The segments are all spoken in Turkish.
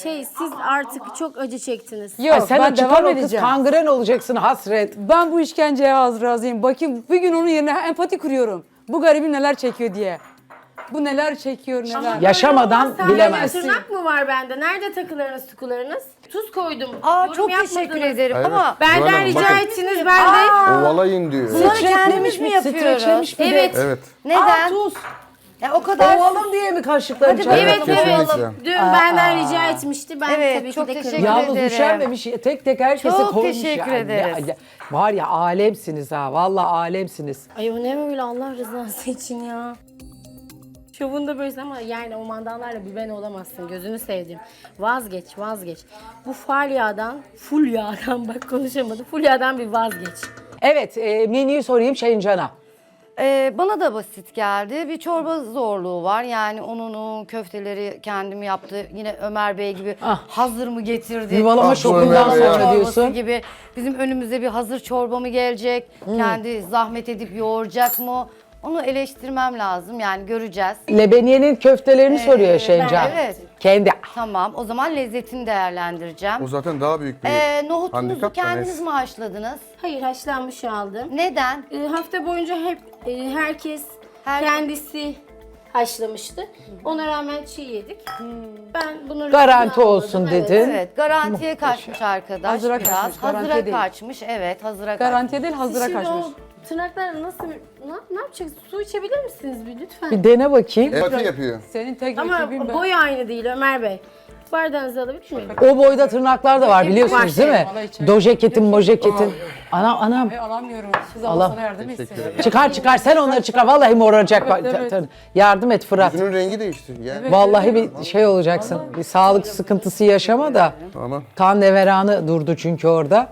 siz artık çok acı çektiniz. Yok, Sen ben de çıkar devam o kız edeceğim. kangren olacaksın hasret. Ben bu işkenceye hazır razıyım. Bakayım bir gün onun yerine empati kuruyorum. Bu garibim neler çekiyor diye. Bu neler çekiyor neler. Böyle Yaşamadan olmaz, bilemezsin. Tırnak mı var bende? Nerede takılarınız tukularınız? Tuz koydum. Aa Yorum çok yapmadınız. teşekkür ederim Evet. ama Zuhal Benden Hanım, rica bakın. ettiniz ben de. Ovalayın diyor. bunları kendimiz Streçlemiş mi mi? yapıyoruz? Streçlemiş mi? Evet. Evet. Neden? Tuz. Ya o kadar Ovalım diye mi kaşıkları Hadi çarptın? Evet kesinlikle. evet. Dün benden rica etmişti. Ben Evet, tabii ki çok de teşekkür kırmadım. ederim. Yalnız üşenmemiş. Tek tek herkese Çok koymuş teşekkür yani. ederiz. Var ya alemsiniz ha. Vallahi alemsiniz. Ay o ne böyle Allah rızası için ya. Şovunda böylesin ama yani o mandallarla bir ben olamazsın. Gözünü sevdim. Vazgeç. Bu full yağdan bak konuşamadım. Full yağdan bir vazgeç. Evet menüyü sorayım Şencan'a. Bana da basit geldi. Bir çorba zorluğu var. Yani ununu, köfteleri kendim yaptı. Yine Ömer Bey gibi hazır mı getirdi? Yuvalama Ah, şokundan Ömer Bey ya. sonra Çorbası diyorsun. gibi. Bizim önümüze bir hazır çorba mı gelecek? Kendi zahmet edip yoğuracak mı? Onu eleştirmem lazım. Yani göreceğiz. Lebeniyenin köftelerini soruyor Şencan. evet. Kendi. Tamam. O zaman lezzetini değerlendireceğim. O zaten daha büyük bir Nohutunuzu handikap da kendiniz neyse. mi haşladınız? Hayır haşlanmış aldım. Neden? Hafta boyunca hep herkes Her- kendisi haşlamıştı. Ona rağmen çiğ yedik. Ben bunu Garanti riskini olsun almadım, evet. dedin. Evet, garantiye kaçmış arkadaş Hazıra biraz. kaçmış, garantiye Hazıra değil. kaçmış, evet, hazıra Garantiye değil Siz hazıra şimdi kaçmış. o tırnaklarla ne yapacaksınız? Su içebilir misiniz bir lütfen? Bir dene bakayım. Empati yapıyor. Senin tek Ama rakibin ben. boy aynı değil Ömer Bey. Bardağınızı alabilir miyim? O boyda tırnaklar da var biliyorsunuz değil mi? Vallahi içeri- Dojeketin, mojeketin. Anam. Ay, alamıyorum. Siz Allah. Allah sana yardım etsin. Çıkar sen onları çıkar. Vallahi moraracak. Bak, Evet. Yardım et Fırat. Yüzünün rengi değişti. Yani. Vallahi bir şey olacaksın. Bir sağlık sıkıntısı yaşama da. Tamam. Kan neveranı durdu çünkü orada.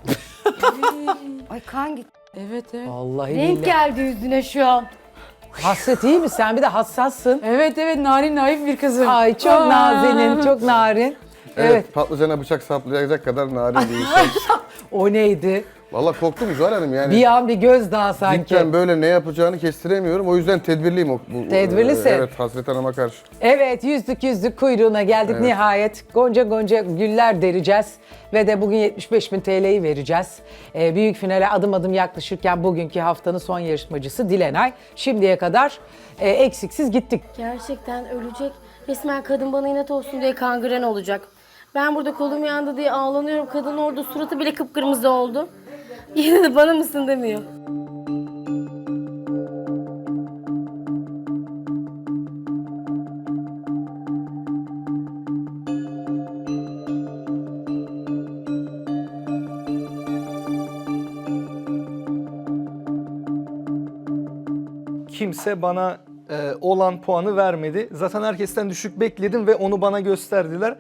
Ay kan gitti. Evet. Vallahi Renk billahi. geldi yüzüne şu an. Hasret iyi mi? Sen bir de hassassın. Evet narin naif bir kızım. Ay çok Aa. nazenin, çok narin. Evet. Patlıcana bıçak saplayacak kadar narin değil. O neydi? Valla korktum Zuhal Hanım yani. Bir an bir gözdağı sanki. Cidden böyle ne yapacağını kestiremiyorum. O yüzden tedbirliyim. Tedbirlisin. Evet Hasret Hanım'a karşı. Evet yüzlük kuyruğuna geldik nihayet. Gonca güller dereceğiz. Ve de bugün 75.000 TL'yi vereceğiz. Büyük finale adım adım yaklaşırken bugünkü haftanın son yarışmacısı Dilenay. Şimdiye kadar eksiksiz gittik. Gerçekten ölecek. Resmen kadın bana inat olsun diye kangren olacak. Ben burada kolum yandı diye ağlanıyorum. Kadın orada suratı bile kıpkırmızı oldu. Yine de bana mısın demiyor. Kimse bana olan puanı vermedi. Zaten herkesten düşük bekledim ve onu bana gösterdiler.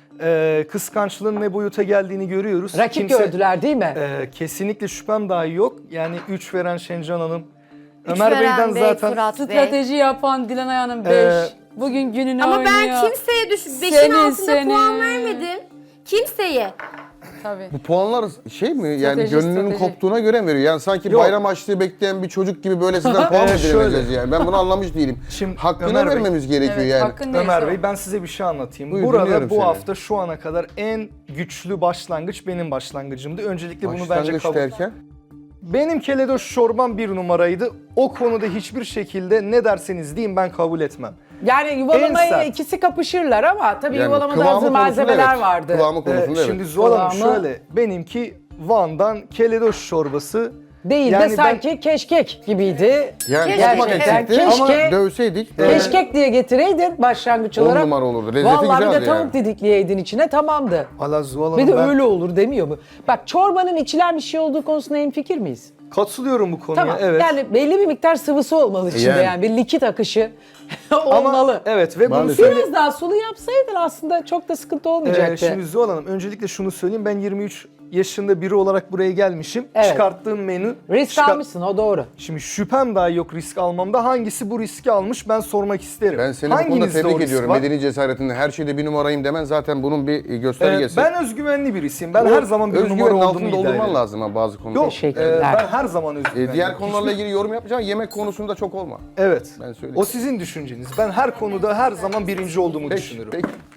Kıskançlığın ne boyuta geldiğini görüyoruz. Rakip gördüler değil mi? Kesinlikle şüphem dahi yok. Yani 3 veren Şencan Hanım. Üç Ömer veren Bey'den Bey, zaten Fırat Bey. Strateji yapan Dilanay Hanım 5. Bugün gününü Ama oynuyor. ben kimseye beşin Senin, altında puan senin. vermedim. Kimseye. Tabii. Bu puanlar şey mi yani Strateji, gönlünün strateji. koptuğuna göre mi veriyor? Yani sanki Yok. bayram açlığı bekleyen bir çocuk gibi böyle sizden puan mı Şöyle. dilemeyeceğiz yani? Ben bunu anlamış değilim. Şimdi Hakkını Ömer Bey, vermemiz gerekiyor Evet, yani. hakkın neyse Ömer o. Bey ben size bir şey anlatayım. Buyur, Burada dinliyorum bu seni. hafta şu ana kadar en güçlü başlangıç benim başlangıcımdı. Öncelikle bunu bence Başlangıç kabul. derken. Benim keledoş çorbam 1 numaraydı. O konuda hiçbir şekilde ne derseniz deyin ben kabul etmem. Yani En yuvalamaya sert. ikisi kapışırlar ama tabii Yani yuvalamada kıvamı hazır konusunda malzemeler evet. vardı. Kıvamı konusunda Şimdi evet. Zuhal Hanım Kıvamı- şöyle, benimki Van'dan keledoş çorbası. Değil Yani de ben- sanki keşkek gibiydi. Yani Keşke, tutmak gerçekten eksikti keşke- ama dövseydik. Keşkek diye getireydin başlangıç 10 olarak. numara olurdu. Lezzeti Vallahi bir de güzeldi tavuk yani. didikleyeydin içine tamamdı. Valla Zuhal Bir Hanım de ben öyle olur demiyor mu? Bak çorbanın içilen bir şey olduğu konusunda hemfikir miyiz? katılıyorum bu konuya. Tamam. Evet. Yani belli bir miktar sıvısı olmalı içinde yani, Yani. bir likit akışı Ama olmalı. evet ve bunu Maalesef. söyle. Biraz daha sulu yapsaydın aslında çok da sıkıntı olmayacaktı. Şimdi Zuhal Hanım öncelikle şunu söyleyeyim. Ben 23 yaşında biri olarak buraya gelmişim. Evet. Çıkarttığım menü. Risk almışsın o doğru. Şimdi şüphem dahi yok risk almamda. Hangisi bu riski almış ben sormak isterim. Ben seni bu konuda Hanginizde o tebrik risk ediyorum. var? Medeni cesaretinde her şeyde bir numarayım demen zaten bunun bir göstergesi. Ben özgüvenli birisiyim. Ben her zaman bir numara Özgüvenin olduğumu altında iddia doldurman ederim. lazım ha bazı konularda. Yok, Teşekkürler. ben her zaman özgüvenliyim. Diğer konularla ilgili yorum yapacağım. Yemek konusunda çok olma. Evet. Ben söyleyeyim. O sizin düşünceniz. Ben her konuda her zaman birinci olduğumu Peki, düşünürüm. peki.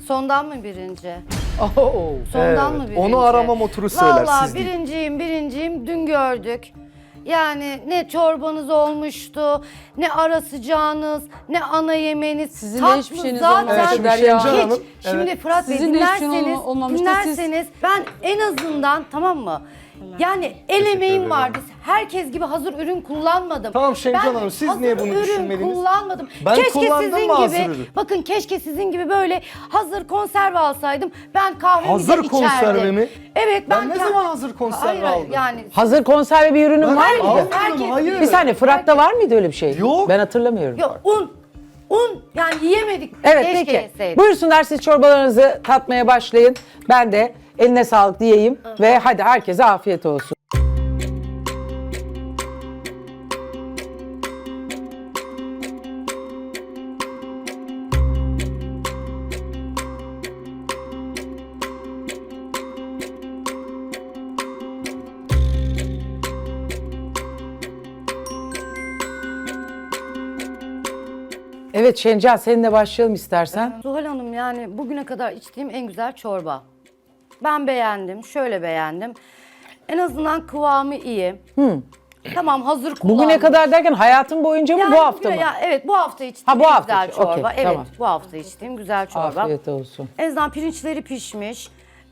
Sondan mı birinci? Oo. Sondan mı birinci? Onu aramam oturur söyler, Vallahi siz değil. birinciyim dün gördük. Yani ne çorbanız olmuştu, ne ara sıcağınız, ne ana yemeğiniz. Sizin de tatlı hiçbir şeyiniz zaten olmamış şimdi Derya Şencan Hanım. Hanım, hiç. Şimdi Fırat Bey Sizin de hiç şeyin dinlerseniz, olmamıştı. Siz- ben en azından tamam mı? Yani el emeğim vardı. Herkes gibi hazır ürün kullanmadım. Tamam Şencan Ben Hanım, siz hazır niye bunu ürün düşünmediniz? kullanmadım. Ben keşke kullandım sizin mı hazır gibi, ürün? bakın keşke sizin gibi böyle hazır konserve alsaydım. Ben kahvemi Hazır de konserve içerdim. mi? Evet Ben ne kah- zaman hazır konserve Hayır, aldım? yani Hazır konserve bir ürünün var mıydı? almadım, herkes- hayır. Bir saniye, Fırat'ta var mıydı öyle bir şey? Yok. Ben hatırlamıyorum. yok un yani yiyemedik. Evet Keşke peki. yeseydik. Buyursunlar, siz çorbalarınızı tatmaya başlayın. Ben de eline sağlık diyeyim ve hadi herkese afiyet olsun. Evet Şencan, seninle başlayalım istersen. Zuhal Hanım yani bugüne kadar içtiğim en güzel çorba. Ben beğendim, şöyle beğendim. En azından kıvamı iyi. Tamam hazır kullandım. Bugüne kadar derken hayatın boyunca mı, Yani bu hafta mı? Ya, evet bu hafta içtiğim Ha, bu en hafta güzel için, okey, çorba. Evet tamam. bu hafta içtiğim güzel çorba. Afiyet olsun. En azından pirinçleri pişmiş.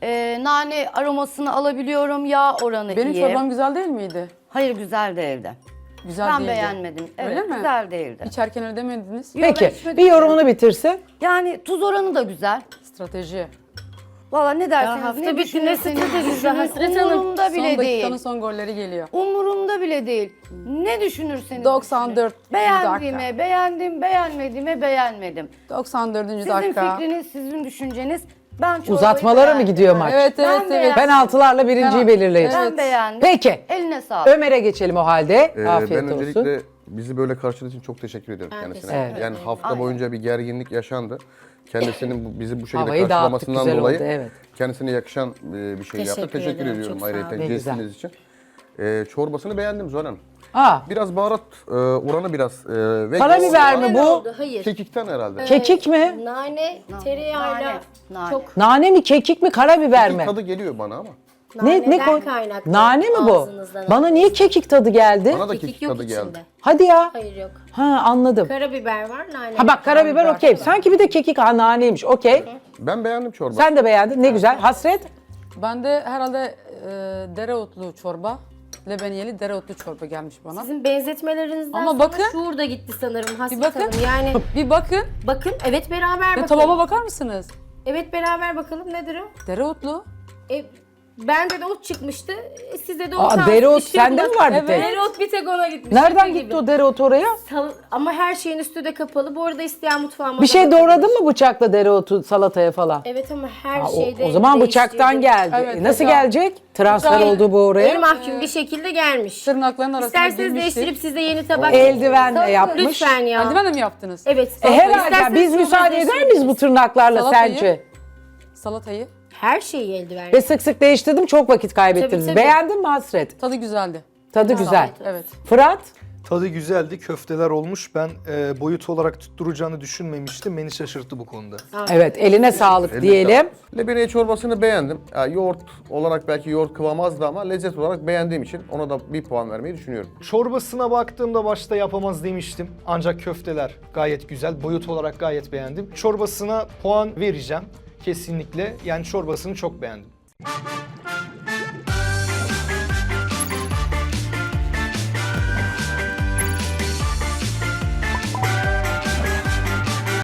Nane aromasını alabiliyorum. Yağ oranı Benim iyi. çorbam güzel değil miydi? Hayır güzel değildi. Güzel Ben değildi. beğenmedim. Evet Öyle mi? güzel değildi. İçerken öyle demediniz. Yok, ben Peki, içmedim bir ki. yorumunu bitirsin. Yani tuz oranı da güzel. Strateji. Valla ne derseniz Ya hafta ne bitti, ne düşünürseniz stratejisi düşünün, Hasret Hanım? umurumda Son bile dakikanın değil. son golleri geliyor. Umurumda bile değil. Ne düşünürseniz 94. düşünün. Beğendiğime beğendim, beğenmediğime beğenmedim. 94. Sizin dakika. fikriniz, sizin düşünceniz. Ben çorbayı Uzatmalara mı beğendim. gidiyor maç? Evet Ben evet evet. beğendim. Penaltılarla birinciyi belirleyin. Ben beğendim. Peki. Eline sağlık. Ömer'e geçelim o halde. Afiyet Ben olsun. öncelikle bizi böyle karşıladığı için çok teşekkür ederim kendisine. teşekkür ederim. Yani hafta boyunca bir gerginlik yaşandı. Kendisinin bizi bu şekilde Havayı dağıttık, karşılamasından güzel dolayı oldu, evet. kendisine yakışan bir şey yaptı. Teşekkür Teşekkür ederim, ediyorum çok sağ olun. ayrıca Ne güzel. jestiniz için. Çorbasını beğendim Zuhal Hanım. Aa, Biraz baharat oranı biraz ve karabiber mi Öyle bu? oldu, hayır. Kekikten herhalde. Kekik mi? Nane, tereyağıyla Nane. çok Nane mi, kekik mi, karabiber mi? Tadı geliyor bana ama. naneden koy- kaynaklı. Nane mi bu? Ağzınızdan Bana aldığınız. niye kekik tadı geldi? Bana da Kekik kekik yok tadı geldi. içinde. Hadi ya. Hayır yok. Ha, anladım. Karabiber var, nane. Ha bak, karabiber okey. Sanki bir de kekik, ha, naneymiş. Okey. Ben beğendim çorba. Sen de beğendin. Ne güzel. Hasret. Ben de herhalde dereotlu çorba. Lebeniyeli dereotlu çorba gelmiş bana. Sizin benzetmelerinizden Ama sonra bakın. şuur da gitti sanırım Hasret Bir bakın. Hanım. Yani Bir bakın. bakın, evet beraber Ve bakalım. tabağıma bakar mısınız? Evet beraber bakalım, nedir o? Dereotlu. Bende de ot çıkmıştı. Sizde de ot Aa, almış. dereot İşte sende mi bak- var bir Evet. tek? Dereot bir tek ona gitmiş. Nereden Şaka gitti gibi. o dereotu oraya? Ama her şeyin üstü de kapalı. Bu arada isteyen mutfağıma Bir da şey bakabilir. doğradın mı bıçakla dereotu salataya falan? Evet ama her Ha, şeyde o zaman bıçaktan değiştirdim. geldi. Evet, Nasıl bıçak. gelecek? Transfer Bıçak. oldu bu oraya. El mahkum bir şekilde gelmiş. Tırnakların arasına İsterseniz girmiştir. değiştirip size yeni tabak Eldivenle Tabii, yapmış. Lütfen ya. Eldivenle mi yaptınız? Evet. Herhalde İsterseniz biz sonra müsaade eder miyiz bu değiştirebiliriz. tırnaklarla Salatayı. sence? Salatayı. Her şeyi eldiven. Ve sık sık değiştirdim, çok vakit kaybettiniz. Tabii, tabii. Beğendin mi Hasret? Tadı güzeldi. Tadı güzel. Evet. Fırat? Tadı güzeldi, köfteler olmuş. Ben boyut olarak tutturacağını düşünmemiştim. Beni şaşırttı bu konuda. Evet, eline sağlık Eline diyelim. sağlık. Lebeniye çorbasını beğendim. Yoğurt olarak belki yoğurt kıvamı azdı ama lezzet olarak beğendiğim için ona da bir puan vermeyi düşünüyorum. Çorbasına baktığımda başta yapamaz demiştim. Ancak köfteler gayet güzel. Boyut olarak gayet beğendim. Çorbasına puan vereceğim kesinlikle. Yani çorbasını çok beğendim.